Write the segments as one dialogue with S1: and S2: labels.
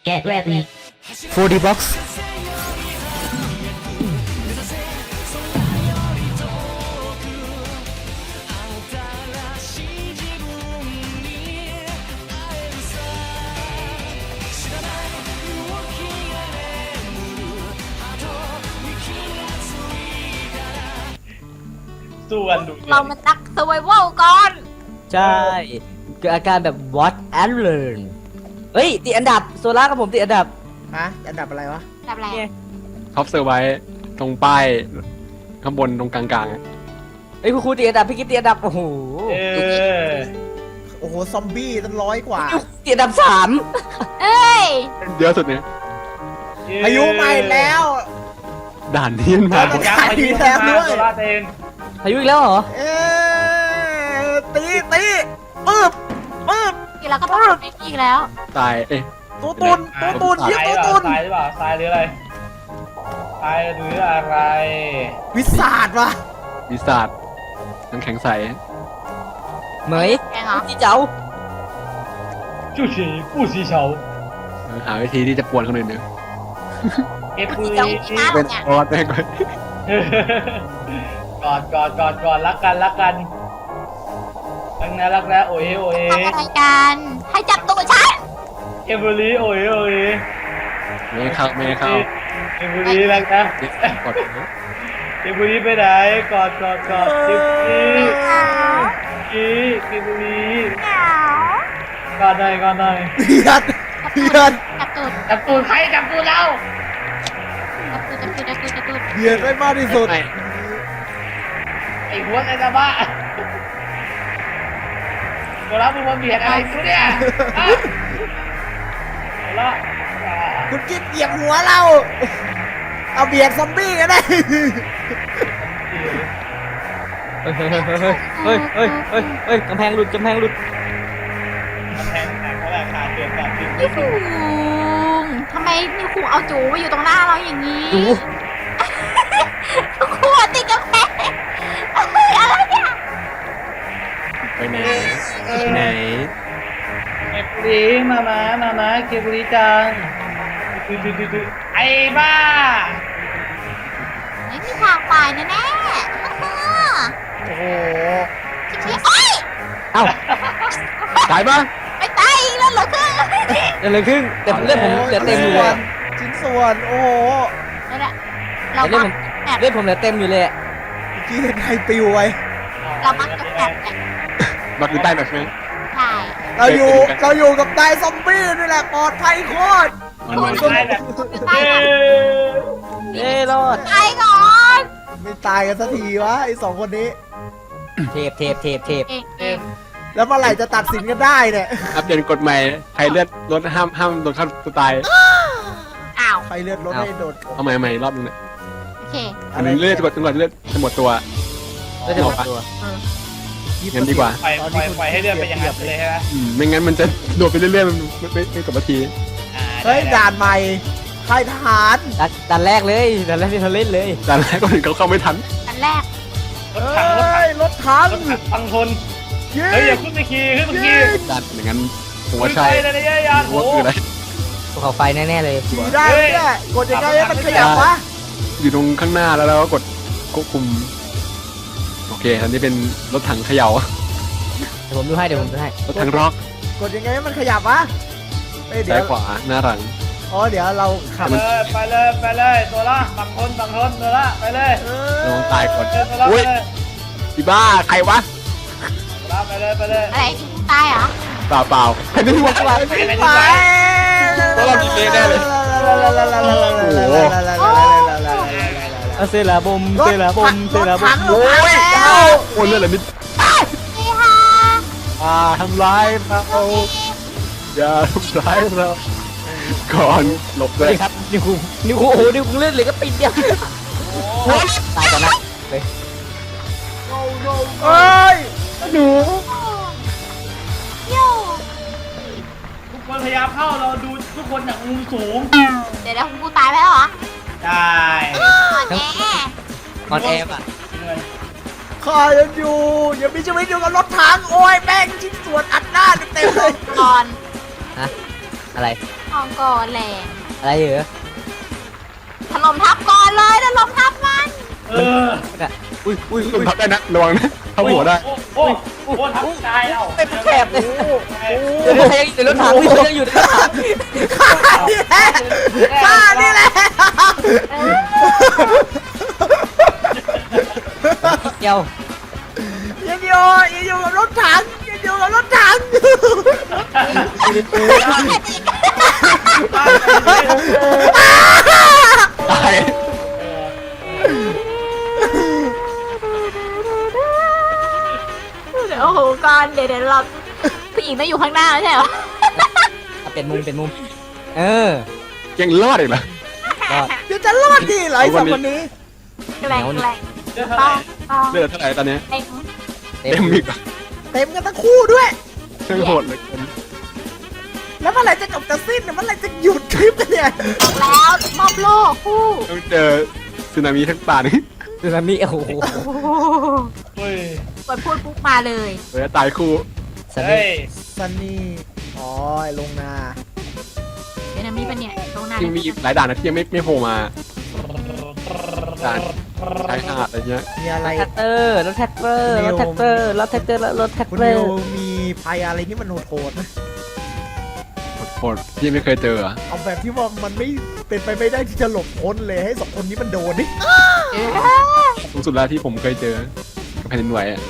S1: Get ready.
S2: 4D box
S3: สู้กันดุเดือ
S4: เรา
S3: ด
S4: มาตักสวายว่าวก่อน
S2: ใช่เกิดอาการแบบ watch and learn เฮ้ยติดอันดับโซล่ากับผมติดอันดับ
S5: ฮะอันดับอะไรวะ
S4: แบบอะไร
S2: เนี่ย
S6: ท็อปเซอร์ไว้ตรงป้ายข้างบนตรงกลางๆอะ
S2: เฮ้ยคุณครูติดอันดับพี่กิ๊ฟติดอันดับโอ้โห
S3: เออ
S5: โอ้โหซอมบี้ตั้ง100 กว่า
S2: ติดอันดับ3
S4: เอ้ย
S6: เยอะสุดเนี่ย
S5: พายุใหม่แล้ว
S6: ด่านนี้มันมา
S5: เออ
S3: ยักษ์พายุเข้ามาโซล่าเตน
S2: พายุอีกแล้วเหรอ
S5: เอ๊ตีปึ๊บ
S4: ทีเราก็ต้องไปอีกแล้ว
S6: ตายเอ๊ะ
S5: ตัวตุนเยี่ย
S3: ท
S5: ตัว
S3: ราย
S5: ตุน
S3: ทรายหรือเปล่าทรายหรืออะไรทรายหรืออะไร
S5: วิสาดวะ
S6: วิสาดน้ำแข็งใส
S2: เหมย
S4: แกงเหรอ
S2: จีเจ้า
S3: จู่ฉีผู้สีเฉา
S6: หาวิธีที่จะปวนคนอื่นเนี่ย
S3: เก็บปืน
S4: เจ้าอีน่า
S6: เป็น
S4: เนี่ย
S6: ออสแม่งเลย
S3: กอดรักกันรักกันรักนะโอ้ยโอ้ย
S4: ทำอะไรกันให้จับตัวฉัน
S3: เก็บบุหรี่โอ้ยโอ้ย
S6: ไม่ให้เข้าไม่ให้เข้า
S3: เก็บบุหรี่รักนะ
S6: กด
S3: เก็บบุหรี่ไปไหนกอดเก็บบุหรี่เก็บบุหรี่กอดหน่อย
S5: เพียน
S4: จับตูด
S3: จับตูดใครจับตูดเรา
S4: จับตูด
S5: เพียนไม่มากที่สุด
S6: ไม่
S3: ไอ้หัวไอ้ตาบ้าตัวเราเป็นคนเบียดอะไรกูเนี่ยตัวละ
S5: คุณกิ๊บเหยียบหัวเรา เอาเบียดซอมบี้ก็ได้
S2: เฮ้ยเฮ้ยกำแพงหลุด
S3: แทงเขาแหละขาดเดือดขาดจริง
S4: นี่คุงทำไมนี่คุงเอาจูมาอยู่ตรงหน้าเราอย่างนี้
S2: จู
S4: คุงติดกำแพงอะไรเนี่ย
S6: ไปไหนไปไหน
S3: เก็บบุหรี่มาเก็บบุหรี่จังไอ้บ้า
S4: ไม่มีทางไปแน่ๆ
S5: โอ้โห
S4: ชิบๆโอ๊ย
S2: เอ้า
S6: ตายปะ
S4: ไม่ตายอีกแล้วเหรอคือ
S2: เกิดอะไรขึ้นแต่เลือดผมเหลือเต็มอยู่เลย
S5: ชิ้นส่วน โอ้โห
S4: นั่นแหละเรา
S2: เลือ
S4: มั
S2: ด
S4: ก
S2: ผม
S4: แบบ
S2: เลือดผมเหลือเต็มอยู่เลยอะ
S5: เมื่อกี้เห็นใครปิวไว้
S4: เรามักจะแบบเนี่ย
S6: บักอยู่ใต้แบบใช่ไหม
S4: ใช่
S5: เราอยู่กับนายซอมบี้นี่แหละปลอดภัยโคตร
S6: มัน
S3: ได้แบบ
S4: ตายก่อน
S2: เอ้ยรอด
S4: ตายก่อน
S5: ไม่ตายกันสักทีวะไอ้2 คนนี้
S2: เทป
S4: เอง
S5: แล้วเมื่อไหร่จะตัดสินกันได้เนี่ย
S6: อัปเดตกฎใหม่ใครเลือดลดห้ามโดนฆ่าตัวตาย
S4: อ้าว
S5: ใครเลือดรถไม่โดด
S6: เอาใหม่รอบนึงเนี่ย
S4: โอเค
S5: อะไร
S6: เลือดจนกว่าเลือดจะหมดตัว
S2: เลือดจะหมดตัว
S6: งั้นดีกว่า
S3: ปล่อยให้เลื่อนไปอย่างนั้นเลยใช่ไหม
S6: ไม่งั้นมันจะโดดไปเรื่อยๆมันไม่จบนาที
S5: เฮ้ยด่านใหม่ค่ายทหาร
S2: ดันแรกเลยดันแรกที่เราเล่นเลย
S6: แต่แรกก็ถึงเขาเข้าไม่ทัน
S4: อันแรก
S3: รถถัง
S5: รถถัง
S3: ฟังทน
S5: ยิ
S3: เฮ้ย
S5: ง
S3: อย่าขึ้นไปขี่ขึ้นไปขี่
S6: ดันอย่างนั้นผมว่า
S3: ขึ้น
S6: ใช่
S3: ไปเลยเนี่ยยาน
S6: ผมว่าคืออะไร
S2: ภูเขาไฟแน่ๆเลย
S5: ขี่ได้ไหมเนี่ยกดยังไงให้มันขยับวะ
S6: อยู่ตรงข้างหน้าแล้วเราก็กดควบคุมโอเคอันนี้เป็นรถถังเขย่า
S2: เดี๋ยวผมดูให้
S6: รถถังร็อก
S5: กดยังไงให้มันขยับวะเอ้ยเดี๋ย
S6: ซ้ายว ขวาหน้าหลัง
S5: อ๋อเดี๋ยวเราขับ
S3: ไปเลยตัวละฟังทนตัวละไปเลย
S6: ลองตายก่อน
S3: ตัวละไป
S6: อุ้ย
S3: เลย
S6: อีบ้าใครวะ
S3: ตัวละไปเลย
S4: อะไรตายเหรอ
S6: เปล่าใครไม่รู้ว่าอะไร
S5: ไป
S6: ตัวเรามีเมฆแน่เลย
S2: เอาเซลาบม
S5: รถถัง
S6: โอ้
S5: มาย แล้ว
S6: โอ้ยเลือดอะไรนิด
S4: นี่ค่ะ
S6: ทำร้ายเราอย่าทำร้ายเราก่อนหลบ
S2: ส
S6: เล
S2: วัส
S6: ย
S2: ดีครับนิวคุงโอ้โหนิวคุงเลือดเหลือก็ปิดเดียวตายก่อนนะเลย
S5: เอ้ย
S2: หนู
S4: โย่
S3: ทุกคนพยายามเข้าเราดูทุกคนจากมุมสูง
S4: เดี๋ยวกูตายไปแล้วเหรอ
S3: ได้
S4: แน่
S2: ออนแอร์อ่ะ
S5: ข้ายังอยู่ยังมีชีวิตอยู่กับรถถังโอ้ยแม่งชิ้นส่วนอัดหน้าเต็มเลย
S4: ก่อน
S2: ฮะอะไร
S4: ทองก่อนแรง
S2: อะไรเหรอ
S4: ถล่มทับก่อนเลยถล่มทับมัน
S3: เออ
S2: อุ้ยอุ้ย
S6: ลงทับได้นะระวังนะเข้าหัวได้
S3: โอ้ทำตายแล้ว
S2: เป็นแถบเลยเดี๋ยวใครยังอยู่ในรถถังพี่เขายังอยู่ในรถถัง
S5: ข้านี่แหละ
S2: เดียว
S5: ยังอยู่กับรถถังยังอยู่กับรถถัง
S6: ตาย
S4: โอ้โหก่อนเดี๋ยวเราผู้หญิงต้องอยู่ข้างหน้าไม่ใช่เหรอ
S2: เป็นมุมเออ
S6: ยังรอดอีกเหรอ
S2: ก็
S5: เดี๋ยวจะรอดดีเหรอไอ้สองคนนี้
S4: แกล้งแกล้ง
S3: เดี๋ยวเท่าไหร่
S4: ต้อง
S6: เลือดเท่าไหร่ตอนนี้
S4: เต็ม
S6: เต็มอีกอ่ะ
S5: เต็มกันทั้งคู่ด้วย
S6: ช่างโหดเหลย
S5: แล้วเมื่อไหร่จะจบจะสิ้นเนี่ยเมื่อไหร่จะหยุดคลิปกันเนี่ย
S4: บอกแล้วมอบโลกคู่
S6: ต้องเจอสึนามิทั้งป่านี่
S2: สึนามิโอ้โห
S3: เฮ้ย
S4: กดพูดปุ๊บมาเลย
S6: เวลาตายคู่
S2: สึนามิ
S3: เฮ้ย
S5: ซันนี่อ๋อไอ้ลงนา
S4: เดี๋ยวนะมีปะเนี่ยตรงหน้า
S6: ยังมีอีกหลายด่านนะที่ยังไม่โผล่มาด่านชายหาดอะไรเงี้ย
S5: มีอะไร
S2: รถแท็กเตอร์รถแท็กเตอร์รถแท็กเตอร์รถแท็กเตอร์รถแท็ก
S5: คุณ
S2: เตอ
S5: นิว
S2: ร์
S5: มีภัยอะไรที่มันโหดๆไหม
S6: โหดที่ยังไม่เคยเจอเหรอ
S5: เอาแบบที่ว่ามันไม่เป็นไปไม่ได้ที่จะหลบพ้นเลยให้สองคนนี้มันโดนนี่
S6: สูงสุดแล้วที่ผมเคยเจอกับแผ่นดินไหวอ่ะ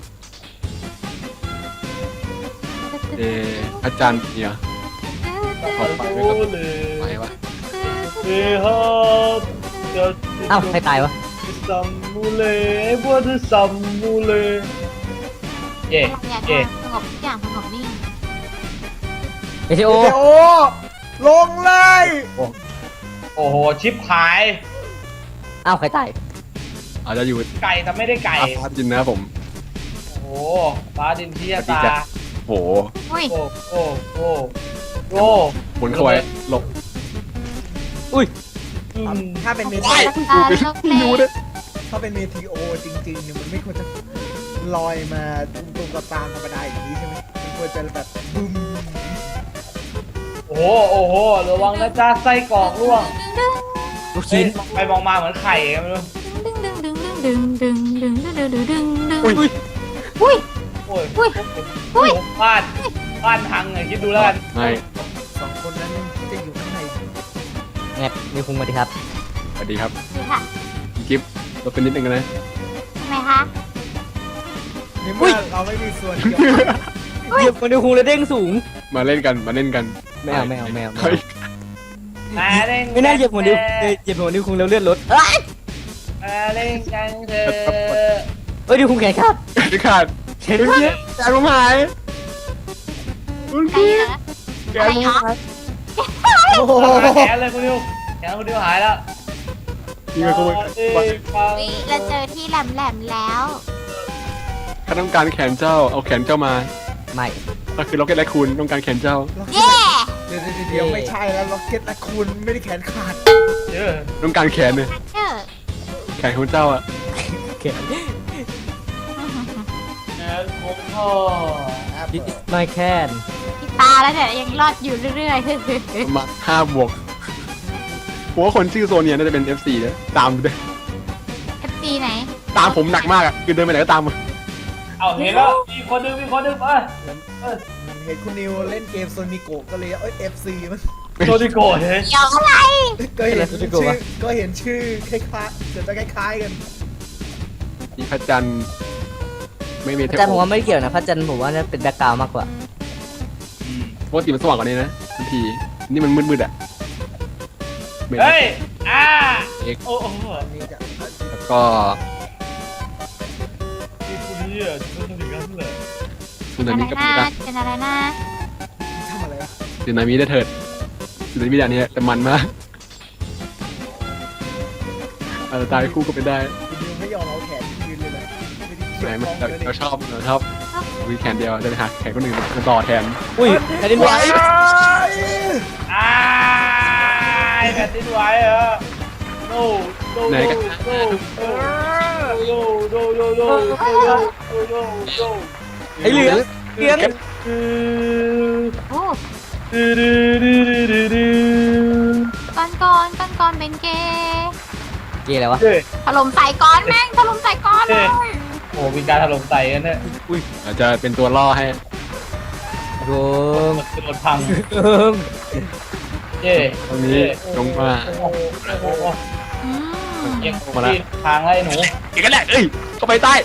S6: พระจันทร์เนี่ย
S3: ขอบคุณเลย
S6: ไหววะ
S3: เฮ้ยฮับเดี๋ยว
S2: เอ้าใครตายวะ
S3: ซัมมูเลพวกที่ซัมมูเลเย่
S4: เนี่ย
S3: เย่
S4: สงบทุกอย่างสงบนิ่ง
S2: เอชโอ
S5: เดี๋ยวลงเลย
S3: โอ้โหชิปหาย
S2: เอ้าใครตาย
S6: อาจจะอยู่
S3: ไก่แต่ไม่ได้ไก่
S6: อาฟาจินนะครับผม
S3: โอ้โหฟ้าดินที่ตา
S6: โห
S4: อุ้ย
S3: โอ้โอ้โอ้โอ้
S6: บนเข้าไว้หลบ
S2: อุ้ย
S3: อืม
S5: ถ้าเป็นเม
S6: ว้าย
S5: ที
S4: ตาลกเล่
S6: รู้เนี่ย
S5: ถ้าเป็นเมทีโอจริงๆเนี่ยมันไม่ควรจะลอยมาตรงๆกับตามธรรมดาอย่างนี้ใช่ไหมมันควรจะแบบบึ้ม
S3: โอ้โหโอ้โหระวังนะจ๊ะไส้กรอกร่วง
S2: ลูก
S3: เฮ้ย
S2: ชิ้น
S3: ไปมองมาเหมือนไข่ไงไม่รู้
S4: ดึงดึงดึงดึงดึงดึงดึงดึงดึง
S6: อุ้ย
S4: อุ้ย
S3: โอ้ย
S4: อุ้ย
S3: โอ้โหบ้านพังเลยคิดดูแล้วกัน
S6: ไม่
S5: สองคนนั้นจะอยู่ข้างใน
S2: แงบนิวคุงมาดิครับ
S6: สวัสดีครับ
S4: ดูค่ะ
S6: กิฟต์ลดเป็นนิดนึงนะ
S4: ทำไมคะ
S5: ในเมื่อเราไม่มีส่วนเกี่ยวข้อง
S2: เหยียบนิวคุงแล้วเด้งสูง
S6: มาเล่นกันมาเล่นกัน
S2: ไม่เอาไม่เอาไม่เอา
S6: เฮ้ย
S3: มาเล่น
S2: ไม่น่าเหยียบหัวนิวเหยียบหัวนิวคุงแล้วเลือดลดเอ้ย
S3: มาเล่นกันเถอะ
S2: เฮ้ยนิวคุงแขนขาด
S6: พี่ขาด
S2: แขน
S6: เฮ้ย
S2: ขาด
S6: แกผมหายคุณ
S4: ไก่
S6: พี่
S4: เหรอ
S6: แก
S4: อะไร
S6: ผม
S4: เหรอ
S6: หาย
S5: โอ้โห
S3: แขนเลยคุณดิวแขนคุณดิวหายแล้ว
S6: นี่ก็ขโมย
S4: วิเราเจอที่แหลมแหลมแล้ว
S6: ข้าต้องการแขนเจ้าเอาแขนเจ้ามา
S2: ไม่
S6: ก็คือล็อกเก็ตและคุณต้องการแขนเจ้า
S4: เย้
S5: เดี๋ยวไม่ใช่แล้วล็อกเก็ตและคุณไม่ได้แขนขาด
S3: เยอะ
S6: ต้องการแขนเนี่ย
S4: เจ้า
S6: แขนของเจ้าอ่ะ
S2: แขน
S3: แขนของพ่อ
S2: ดิสไม่แคน
S4: ที่ตาแล้วเนี่ยยังรอดอยู่เรื่อย
S6: ประมาณ5 บวกผมว่าคนชื่อโซเนียน่าจะเป็น FC เนี่ยตามด้วย
S4: ๆ FG ไหน
S6: ตามผมหนักมากอ่ะคือเดินไปไหนก็ตามมา
S3: เอาเห็นแล้วมีคนนึงเออ
S5: เห็นคุณนิวเล่นเกมโซนิโกก็เลยเอฟซีมัน
S3: โซดิโกเฮ้ย
S4: เกี่ยวอะไร
S5: ก็เห็นชื่อคล้ายๆจะคล้ายๆกัน
S6: มีพระจันทร์ไม่มี
S2: พระจันทร์ผมว่าไม่เกี่ยวนะพระจันทร์ผมว่าน่าเป็นแบ็คกราวด์มากกว่า
S6: ปกติมันสว่างกว่านี้นะบางทีนี่มันมืดๆอ่ะไม่
S3: เฮ้ยโอ้โห
S5: อันนี้จะ
S6: แล้วก็
S3: นี่คุณนี่อ่ะจะเป็นอย่างนั้นเลย
S6: สึนา
S4: อะไร
S6: มิก็
S4: นะ
S6: ไม่ได้
S4: เป็นอะไรนะ
S5: ทำอะไรวะ
S6: สึนามิได้เถิดสึนามิด่านนี้แต่มันมากอาจจะตายคู่ก็เป็นได้
S5: คุณนิวไม่ยอมเอาแขนยืนเลยนะไม่ได้
S6: ไหน
S5: เกี่ยวข้องเลย
S6: เราชอบมีแขนเดียวจะไปหาแขนคนอื่นมาต่อแทน
S2: อุ้ยแผ่นดินไหว
S3: แผ่นดินไหวเหรอโน่โน่
S6: ไหนกัน
S3: โน่โน่โน่โน่โน่โน่โน่โน่
S2: ไอ้เหลืองเหลือง
S3: คือ
S4: โอ้ก้อนก้อนก้อนก้อนเป็นเกย์
S2: เกี่อะไรวะ
S3: เฮ้ย
S4: ถล่มใส่ก้อนแม่งถล่มใส่ก้อนเลย
S3: โอ้มีการถล่มใส่กันเนี่ย
S6: อุ้ยเราจะเป็นตัวล่อให้
S2: โกง
S3: มันจะโดนพัง
S2: โกง
S3: เย่
S6: ตรงนี้ลงมา
S3: โอ้โห
S4: อืม
S3: เยังที่ทางไล่หนู
S6: อีกแล้วแหละเอ้ยเข้าไปใต้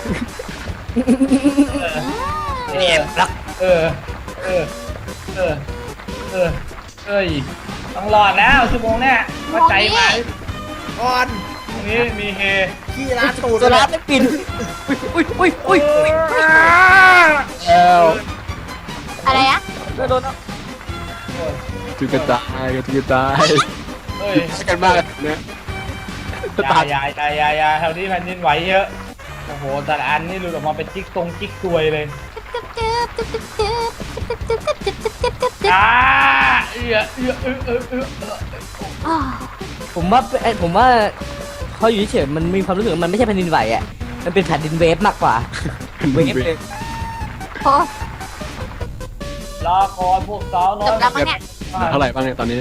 S3: เออเออเออเออเออเอ้ยต้องรอดแล้วชั่วโมงเนี่ยมาใจมา
S5: ก่อน
S3: ตรงนี้มีเฮ
S5: ขี้ร้านตูด
S2: โซล่าไม่ปินอุ้ยอุ้ยอุ้ยอุ้ย
S6: แล้ว
S4: อะไรอะ
S2: โดน
S6: จุกกระจายจุกกระจาย
S3: เอ้ย
S6: ใช้กันมากเนี่ยสตาร์ท
S3: ยาแถวนี้แผ่นดินไหวเยอะโอ้โหแต่ละอันนี่หลุดออกมาเป็นจิ๊กซวยเลย
S4: จึ๊บจึ๊บจึ๊บจึ๊บจึ๊บจึ๊บจึ๊บจึ๊บจึ๊บจึ๊บจึ๊บ
S3: อ่าเออ
S4: อ้าว
S2: ผมว่าเขาอยู่เฉยๆมันมีความรู้สึกว่ามันไม่ใช่แผ่นดินไหวอ่ะมันเป็นแผ่นดินเวฟมากกว่าเวฟเลย
S4: โอ้
S3: รอก่อนพวกสาวน้อ
S4: จ
S3: ย
S4: บแล้วมั้งเนี่ย
S6: เท่าไหร่บ้างเนี่ยตอนนี้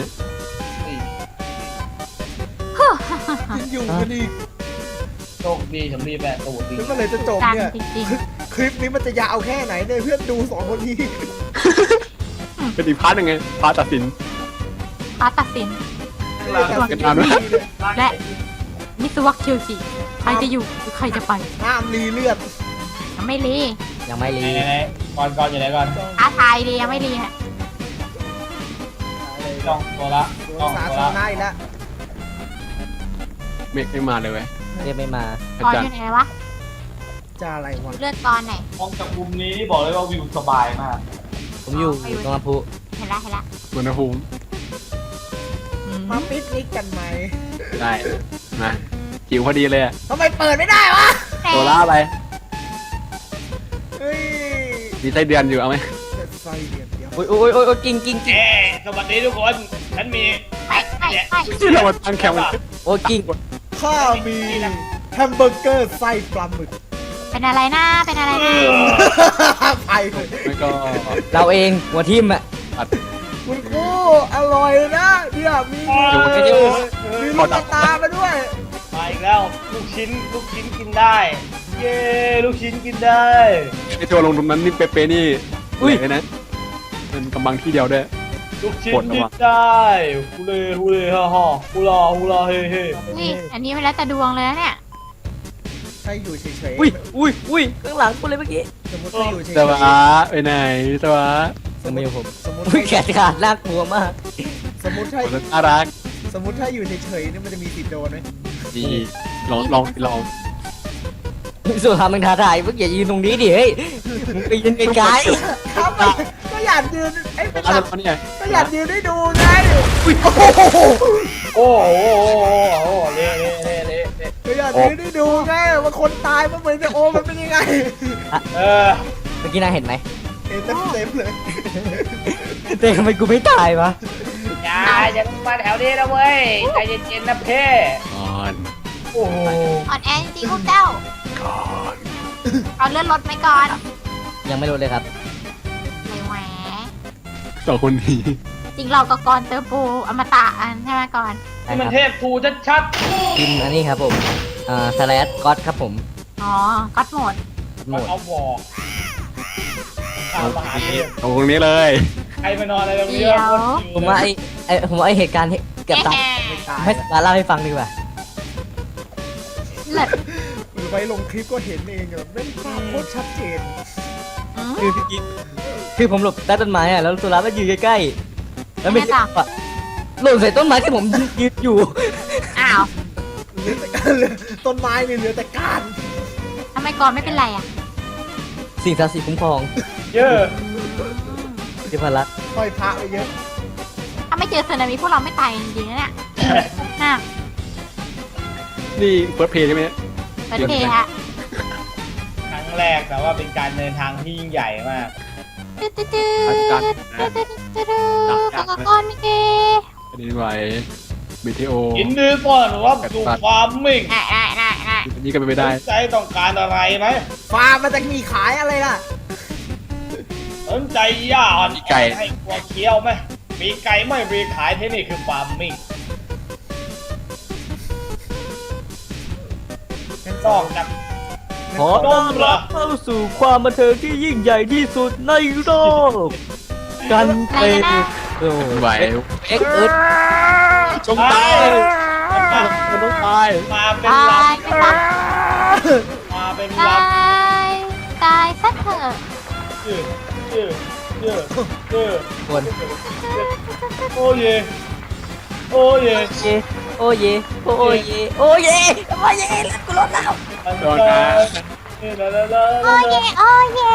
S5: ยังอยู่กันอีก
S3: โชคดีฉันรีบแบะตูดดี
S5: แล้วเมื่อไหรจะจบ
S4: ดัง
S5: เนี่ย
S4: จริง
S5: คลิปนี้มันจะยาวแค่ไหนเนี่ยเพื่อนดูสองคนนี้
S6: เป็นอีกพาร์ทหนึ่งไงพาร์ทตัดสิน
S4: ๆฟ้าตัดสิน
S6: กันนานด้วย
S4: และมิสวักเคียวจิใครจะอยู่หรือใครจะไป
S5: ห้ามรีเลือด
S4: ยังไม่รี
S2: ยังไม่รี
S3: ไหนก่อนอยู่ไหนก่อน
S4: ท้าทายดียังไม่รีฮะ
S3: จ้องตัวละ
S5: สวน
S3: จ้อง
S5: สา
S3: ตัว
S5: ธาร
S3: ละ
S5: ณะอีกแล้ว
S6: เมฆไม่มาเลยเว้ย
S2: เรียกไม่มา
S6: อา
S4: ก่อน
S6: จาร
S4: อ
S6: ย์
S4: ยู่ไหนวะ
S5: จะอะไรวะ
S4: เลือดก่อนไหน
S3: มองจากมุมนี้นี่บอกเลยว่าวิวสบายมาก
S2: ผมอยู่ตรงลำพู
S4: เห็นละเห็นละ
S6: อุณหภูมิ
S4: อืม
S5: มาปิกนิกกันไหม
S6: ได้นะหิวพอดีเลยอะ
S5: ทำไมเปิดไม่ได้วะ
S6: โซล่าไป
S5: เฮ้ย
S6: มีไส้เดือนอยู่เอาไหม
S5: จะไส้เดียดเดียว
S2: โอ้ยโอ้ยโอ้ยกิ้งกิ้งกิ้ง
S3: เอ้สวัสดีทุกคนฉันมี
S4: ไปไปไป
S6: ที่เรามาตั้งแคมป์กัน
S2: โอ้ยกิ้ง
S5: ข้ามีแฮมเบอร์เกอร์ไส้ปลาหมึก
S4: เป็นอะไรนะเป็นอะไรนะ
S5: ไปเลย
S6: ไม่ก็
S2: เราเองหัวทิมอ่ะ
S6: ตัด
S5: คุณครูอร่อยนะเนี่ยมี
S2: ไม่ได้
S5: มีลูกตามาด้วย
S3: มาอีกแล้วลูกชิ้นกินได้ เย้ลูกชิ้นกินได้
S6: ไอตัวลงตรงนั้นนี่เป๊ะๆนี่อุ้ยเลยนะมันกำบังที่เดียวด้วย
S3: ลูกชิ้น
S6: ปวดหั
S3: กิ
S6: ว
S3: นได้ฮูเล่ฮ่าฮ่าฮูลาเฮ่เฮ่
S4: นี่อันนี้มันแล้วแต่ดวงเลยนะเนี่ย
S5: ถ้าอยู่เฉยๆ
S2: อุ้ยอุ้ยอุ้ยข้างหลังกูเลยเมื่อกี้
S5: สมมติถ้าอยู่เฉย
S6: สวะไปไหนสวะ
S2: ยังไม่อยู่ผม
S5: สมมติ
S2: อุ้ยแขนขาดน่ากลัวมาก
S5: สมมติถ้า
S6: คนน่ารัก
S5: สมมติถ้าอยู่เฉยๆเนี่ยมันจะมีสิทธิ์โดนไหม
S6: ดีลอง
S2: สุดท้ายมึงท้าทายมึงอย่ายืนตรงนี้ดิเฮ้ยมึงไปยืนไกล
S5: ครับก็อยากยืนไอ้เป็น
S6: อะไร
S5: แบบ
S6: วะเนี่ย
S5: ก็อยากยืนได้ดูไง
S3: โอ้โหเละ
S5: ก็อยากยืนได้ดูไงว่าคนตายมันเหมือนจะโอมันเป็นยังไง
S3: เออ
S2: ๆเมื่อกี้นายเห็นไหม
S5: เห็นเต็มๆเลย
S2: แต่ทำไมกูไม่ตายวะ
S3: อย่ามาแถวนี้นะเว้ยใจเย็นๆนะเพ่
S6: ก่อน
S3: โอ้โห
S4: อ่อนแอจริงๆพวกเจ้า
S6: ก่อน
S4: เอาเลื่อนรถไหมก่อน
S2: ยังไม่รู้เลยครับ
S4: เลยแหว
S6: สองคนนี้
S4: จริงเรากับกรเติมปูอมตะอันใช่ไหมก่อน
S3: นี่มันเทพทูชัด
S2: พิมพ์อันนี้ครับผมสแลชก็อดครับผม
S4: อ๋อก็อดโหมด
S3: ๆ
S2: หม
S3: มัน
S2: ด
S3: เอาบอกเอามหาเทพ
S6: ตรงนี้เลย
S3: ใครมานอนอะไรตรงนี้
S4: เดี๋ยว
S2: ผมว่าผมว่าไอเหตุการณ์เกือบตาย
S5: ไม่ตาย
S2: ให้มาเล่าให้ฟังดีกว่า
S4: เลิศ
S5: หรือไปลงคลิปก็เห็นเองแบบเป็นภาพโคตรชัดเจน
S4: อืม
S2: คือผมหลบใต้ต้นไม้อะแล้วสุรามันยืนใกล้ๆแล้วไม่
S4: ไม่ต่าง
S2: อะหล่นใส่ต้นไม้ที่ผมยืนอยู่
S4: อ้าว
S5: เหลือแต่การเหลือต้นไม้นี่เหลือแต่การ
S4: ทำไมก่อนไม่เป็นไรอ่ะ
S2: สิ่งศักดิ์สิทธิ์คุ้มครอง
S3: เยอะ
S2: ที่พลัก
S5: ห้อยพระไปเยอะ
S4: ถ้าไม่เจอสึนามิพวกเราไม่ตายจริงๆนะเนี่ยน่า
S6: นี่เฟิร์สเพย์ใช่ไหมเนี่ย
S4: ประเทศฮะ
S3: ครั้งแรกแต่ว่าเป็นการเดินทางที่ยิ่งใหญ่มาก
S4: ตึ๊ดตึ๊ดตึ๊ดตึ๊ดตึ๊ดตึ๊ดตึ๊ดกับก้อนมิเก
S6: อันนี้ไหวเมเทโอ
S3: ยินดีต้อนรับสู่ความมิ่ง
S4: ได้
S6: อันนี้ก็เป็นไปได้
S3: สนใจต้องการอะไรไหม
S5: ฟาร์มมันจะมีขายอะไรล่ะ
S3: สนใจย่าอ่อนให้กลัวเคี้ยวไหมปีกไก่ไม่มีขายที่นี่คือฟาร์มมิ่งนอกจาก
S2: ขอต้อนรับเข้าสู่ความบันเทิงที่ยิ่งใหญ่ที่สุดในโลกกันเป็นโอ้
S6: ไหว
S2: เอ็กเอิร์ด
S6: จงตาย
S2: มันต้องตาย
S3: มาเป็น
S4: ตา
S3: ล
S4: ยไปซะ
S3: ำมาเป็นล
S4: ตายตายซะเถอะ
S3: ำชื่อ
S2: คน
S3: โอ้เยโอ้เย
S2: โอเยโอเยโอเยโอเยโอเยแล้วกูรถแล้ว
S6: โดนนะ
S4: โอ้เยโอ้เย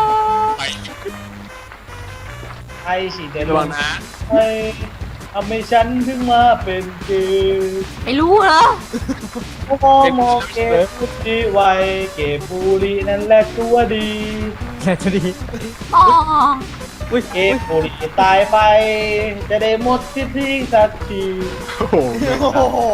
S3: ไอ้ฉีดเดน
S6: ระวังนะ
S3: ไอ้ทำให้ฉันถึงมาเป็นเกย์
S4: ไม่รู้เหรอ
S3: มองเกย์พูดดีไวเกย์บุรีนั่นแหละตัวดี
S2: แค่จะดี
S4: อ๋อ
S2: อุ้ย
S3: เกย์บุรีตายไป จะได้หมดที่ทิ้งสักที
S6: โอ้โห
S5: โอ้โห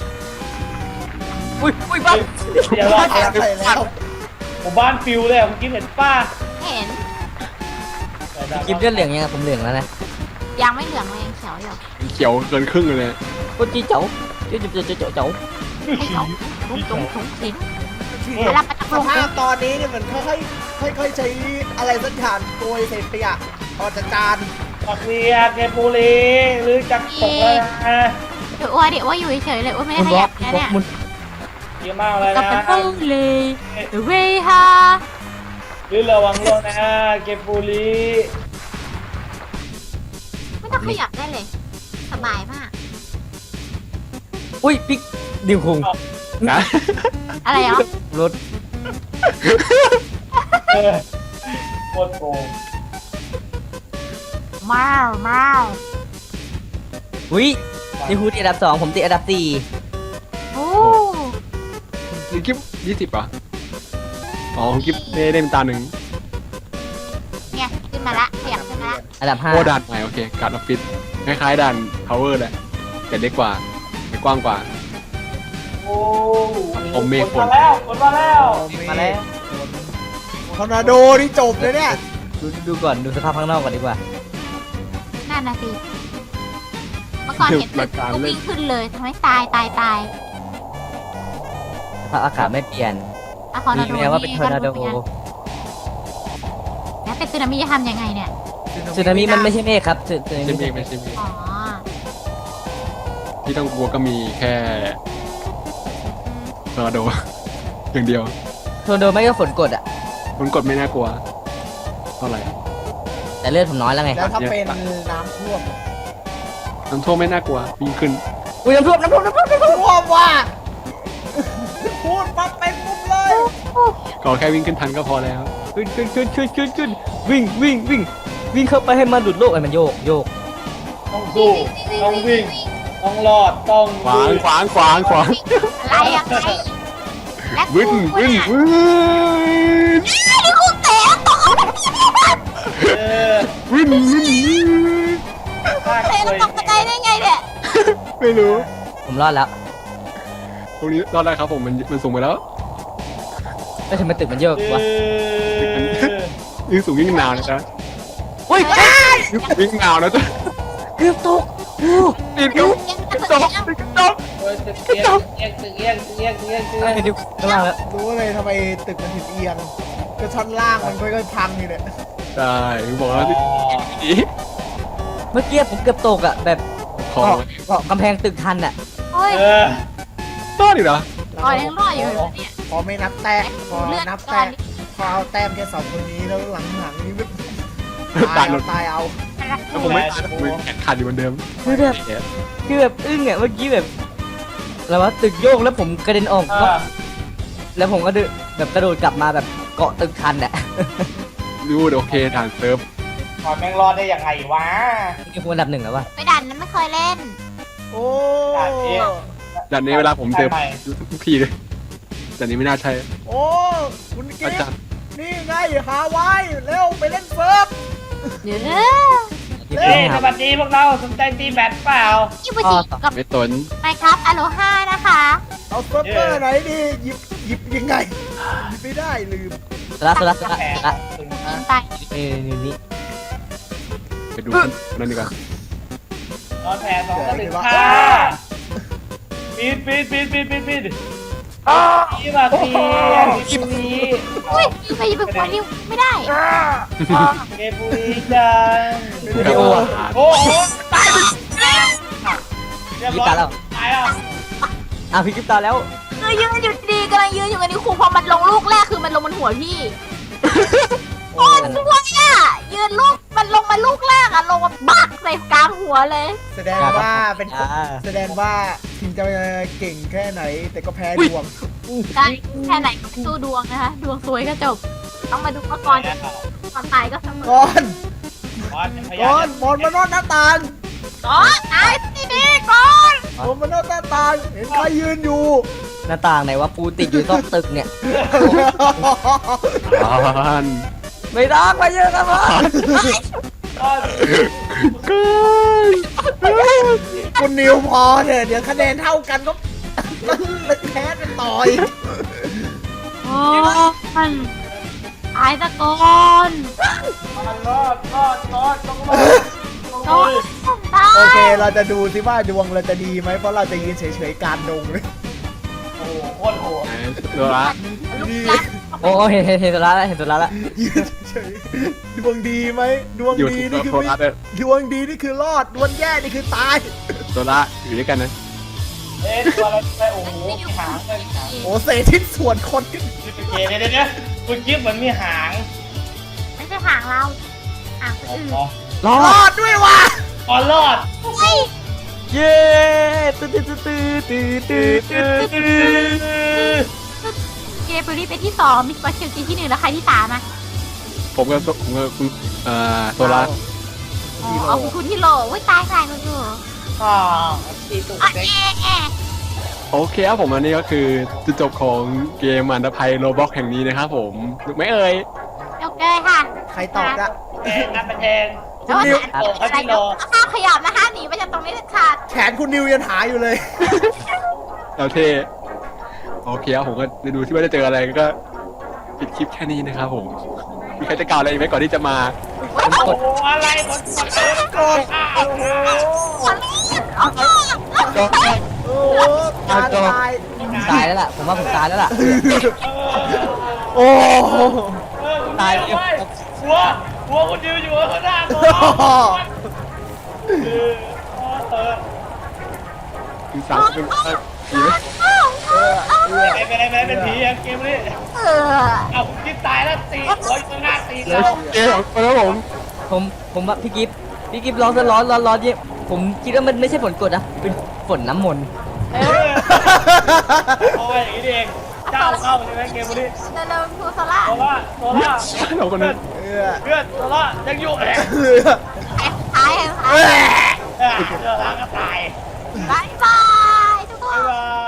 S2: อุ้ยบ้า
S3: อย่าว่า
S5: แอบไปแล้ว
S3: หมู่บ้านฟิวเลยเมื่อกี้เห็นป้า
S4: เห็น
S2: กินเลือดเหลืองยังผมเหลืองแล้วนะ
S4: ยังไม่เหลืองเลยยังเขียวอยู่
S6: เขียวเกินครึ่งเลย
S2: โอ้จีเจ๋าเจ๋าเจ๋า
S4: ให้เขาตุ้งตุ้งตุ้งทิ้งเวลามาจาก
S5: ส
S4: โรง
S5: ภาพตอนนี้เนี่ยเหมือนค่อยๆใช้อะไรสักอย่างโกยเศษขยะออกจากจาน
S3: ปักเวียเกย์บุรีหรือจักรตกแล้วนะ
S4: เดี๋ยวว่าอยู่เฉยๆเลยว่าไม่ได้
S2: มุน
S4: ข
S2: บล็อ
S4: ยั
S2: ก
S4: บนะ
S2: บล็อ
S4: เนี่
S2: ก
S4: ย
S2: มุน
S3: เยอะมากเลย
S4: กับ
S3: นะ
S4: เป็นปุ้งเลยเว้ยฮะ
S3: หรือระวังโลกนะเกย์บุรี
S4: ไม่ต้องขยับได้เลย สบายมาก
S2: อุ้ยปิ๊กดิวคุง
S6: นะ
S4: อะไรอ่ะ
S2: รถ
S3: โคตรโกง
S4: มามา
S2: อุ้ยดิวคุงติดอันดับ2ผมติดอันดับ4
S4: โอ้
S6: นี่กิ๊บ20ป่ะอ๋อของกิ๊บได้เล่มตาหนึ่ง
S4: เนี่ยขึ้นมาละขยับขึ้นมาละ
S2: อันดับ
S6: โอ้ด่านใหม่โอเคการออฟฟิศคล้ายๆด่านพาวเวอร์แหละแต่เล็กกว่าแต่กว้างกว่า
S3: โอ้
S6: ผมเมฆ
S3: ฝนมาแล้วฝนมาแล้ว
S2: มาแล้ว
S5: ทอร์นาโดนี่จบเลยเนี่ย
S2: ดูก่อนดูสภาพข้างนอกก่อนดีกว่า
S4: นั่นนะสิเมื่อก่อนเห็นตึกก็วิ่งขึ้นเลยทำให้ตาย
S2: สภาพอากาศไม่เปลี่ยน
S4: อะคอร์
S2: มี
S4: นาโด
S2: แม้ว่าเป็นทอร์นาโด
S4: แล้วเป็นสึนามิจะทำยังไงเนี่ย
S2: สึนามิมันไม่ใช่เมฆครับสึ
S6: ไม่
S2: นา
S6: ใช่
S2: มิ
S6: เมฆไม่ใช่เมฆ
S4: อ๋อ
S6: ที่ต้องกลัวก็มีแค่ทอร์นาโด อย่างเดียว
S2: ทอร์นาโดไม่ก็ฝนกดอ่ะ
S6: ฝนกดไม่น่ากลัวเท่าไหร่
S2: แต่เลือดผมน้อยแล้วไง
S5: แล้วถ้าเป็นน้ำท่วม
S6: น้ำท่วมไม่น่ากลัววิ่งขึ้น
S2: อุ้ยน้ำท่วม
S5: ท่วมว่ะพูดปั๊บเป็นปุ๊บเลย
S6: ขอแค่วิ่งขึ้นทันก็พอแล้ว
S2: ขึ้นวิ่งเข้าไปให้มันดุดโลกไอ้มันโยก
S3: ต้องสู้ต้องวิ่งต้องรอดต้อง
S6: ขวาง
S3: ลุย
S6: ขวาง
S4: อะไรยังไงและ
S6: วิ่ง
S4: กูเนี่ย นี่กูเตะตก
S3: เออ
S6: วิ่ง
S3: ลาก
S4: เตะ
S3: เลย
S4: ตกกระจายได้ไงเนี่ย
S6: ไม่รู้
S2: ผมรอดแล้ว
S6: ตรงนี้รอดได้ครับผมมันสูงไปแล้ว
S2: ไม่ทำไมตึกมันโยก
S3: เอ
S2: วะ
S3: อ
S6: ยิ่งสูงยิ่งหนาวนะจ๊ะ
S2: อุ้ย
S6: ยิ่งหนาวนะจ๊ะ
S2: เกือบตก
S6: ติดกับกระจกติดกระจก
S3: เออตึกเอียงตึกเอียงตึกเอียงตึกเอียงตึกเอียง
S2: เดี๋ยวข้างล่างแล้ว
S5: รู้เลยทำไมตึกมันถึงเอียงก็ชั้นล่างมันค่อยๆพังอยู่เนี่ย
S6: ใช่บอกแล้ว
S3: อ๋อ
S6: ดี
S2: เมื่อกี้ผมเกือบตกอ่ะแบบ
S6: คอ
S2: เกาะกำแพงตึกทันอ่ะ
S4: เฮ้ย
S3: เออ
S6: รอดอีกเหรอ
S4: อ๋อยังรอดอยู่เหรอเนี่ย
S5: พอไม่นับแต้มพอนับแต้มพอเอาแต้มแค่2คนนี้แล้วหลังนี้มัน
S6: ตายหมด
S5: ตายเอา
S6: แล้วผมไม่ตายผมแขนขาดอยู่เหมือนเดิม
S2: คือแบบอึ้งอ่ะเมื่อกี้แบบแล้วว่าตึกโยกแล้วผมกระเด็นออก
S3: อ่า
S2: แล้วผมก็แบบกระโดดกลับมาแบบเกาะตึกทันอ่ะ
S6: รู้โอเคฐานเซิร์ฟ
S3: ก่อนแม่งรอดได้ยังไงวะ
S2: นี่คุณอันดับ1แล้ววะ
S4: ไปดันนั้นไม่เคยเล่น
S5: โอ้
S6: ด่านนี้เวลาผมเจอทุกทีเลยด่านนี้ไม่น่าใช่
S5: โอ้คุณกิ๊
S6: อา
S5: ฟ
S6: จารย์
S5: นี่ไงหาไว้เร็วไปเล่นเซิร์ฟ
S4: เดี๋ยว
S3: เฮ้ยสวัสดีพวกเราสนใจตีแบดเปล่า
S4: ยี่ปุจิกับ
S6: ไม่ตน
S4: ไมครับอโลฮานะคะ
S5: เอาเซิร์ฟเวอร์ไหนดีหยิบยังไงหยิบไม่ได้ลืม
S2: สละ
S3: แผล
S4: ยิงไป
S2: นี่
S6: ไปดูนั่นดีกว่า
S3: อนแผลสองก็ถึงฆ่าปีดนี่มาตีกิบนี้
S4: อุ้ยไปยิงไปนิ้วไม่ได้
S3: เกปุรีจัง
S2: พี่โออะ
S3: โอ้โหตายเรียบร้อยตายแล้ว
S2: พี่กิฟตายแล้ว
S4: ยืนอยู่ดีกำลังยืนอยู่กันนี่ครูพอมันลงลูกแรกคือมันลงบนหัวพี่โอ้ด้วยอ่ะยืนลูกมันลงมาลูกแรกอ่ะลงมาบักใส่กลางหัวเลย
S5: แสดงว่าเป็นแสดงว่าถึงจะเก่งแค่ไหน แต่ก็แพ้ดวง
S4: ได้แค่ไหนก็สู้ดวงนะคะดวงสวยก็จบต้องมาดูว่าก่อนตายก็เสมอ
S5: ก่อน
S3: พ
S5: ก่
S3: ยา
S5: อนบอลมานอนหน้าต่าง
S4: ก่อนตายที่นี่ก่อน
S5: บอลมานอนหน้าต่างเห็นใครยืนอยู่
S2: หน้าต่างไหนว่าปูติดอยู่ต้องตึกเนี่ย
S6: บ้าน
S2: ไม่ต้องมาเยอะกันวะ
S5: คุณนิวพอเถอะเดี๋ยวคะแนนเท่ากันก็แพ้กันต่อย
S4: โอ้ยตายตะกอน
S3: รอดต้องรอด
S4: โอ้ยตาย
S5: โอเคเราจะดูสิว่าดวงเราจะดีไหมเพราะเราจะยืนเฉยๆกลางดงเลย
S3: โอ้โหโคตรโหด
S6: ตัวละ
S4: ลูกรัก
S2: โอ้เห็นตัวละแล้วเห็นตัวละแล้ว
S5: ยืนเฉยๆดวงดีไหมดวง
S6: อยู่
S5: ดี
S6: ตัว
S5: นี่คือ
S6: ตัวละด้วย
S5: ดวงดีนี่คือรอดดวงแย่นี่คือตาย
S6: ตัวละอยู่ด้วยกันนะ
S3: ตัวอะไรไปโอ้โหมีหางเลยหาง
S5: โอ้เศษชิ้นส่วนคนขึ้น
S3: เดี๋ยวคุณกิ๊บเหมือนมีหาง
S4: ไม่ใช่ห่างเราห่างคนอื่น
S2: รอ
S5: รอดด้วยว่ะ
S3: อ๋อรอด
S4: เฮ้ย
S2: เย้ตื้อตื้อตื้อตื้อตื้อตื้อตื้อ
S4: เกเบอรี่เป็นที่สองมิสเตอร์เชลซีที่หนึ่งแล้วใครที่สามอ่ะ
S6: ผมกับคุณตัวละ
S4: อ๋อเอาคุณที่โหลอุ้ยตายคุณอยู่
S3: อ๋อตีตุ่ม
S4: อ่ะ
S3: เซ็ก
S4: เอ๊ะ
S6: โอเคครับผมอันนี้ก็คือจุดจบของเกมอันดภัยโรบ็อกแห่งนี้นะครับผมถูกไหมเอ่ย
S4: โอเคค่ะ
S5: ใครตอบอะ
S3: แทงอันเป็นแทง
S5: คุณนิว
S4: อะไรก็ห้ามขยับนะคะหนีไปจากตรงนี้เด็ดขาด
S5: แขนคุณนิวยังหาอยู่เลย
S6: เราเท่โอเคครับผมก็ไปดูที่ว่าจะเจออะไรก็ปิดคลิปแค่นี้นะครับผมมีใครจะกล่าวอะไรอีกไหมก่อนที่จะมา
S3: โอ้โหอะไรคนกดโอ้โห
S5: โอ้การตาย
S2: ตายแล้วล่ะผมว่าผมตายแล้วล่ะ
S5: โอ้
S3: ตายเลยหัวคุณดิวอยู่ข้างหน้าตัว
S6: ถึงสามเป็นผีไหม
S3: เป็นผีเกมนี้เอาคุณกิ๊บตายแล้วตีหัวอยู่ข้างหน้าตี
S6: แล้
S3: แล้ว ว
S6: เกมของคนครับผม
S2: ผมว่าพี่กิฟร้อนเยี่ยผมคิดว่ามันไม่ใช่ฝนกรดนะเป็นฝนน้ำมนต์
S3: โอ้ยอย่างนี้เองเจ้าเข้าใช่ไหมเกมนี้
S4: เร็วๆครูโซล่า
S3: โซล่า
S6: เราคนนั้น
S3: เพื่อนโซล่ายังอยู่เอง
S4: ตาย
S3: เจ้าล้างก็ตาย
S4: บายบายทุกค
S3: บ๊าย
S4: น
S3: บาย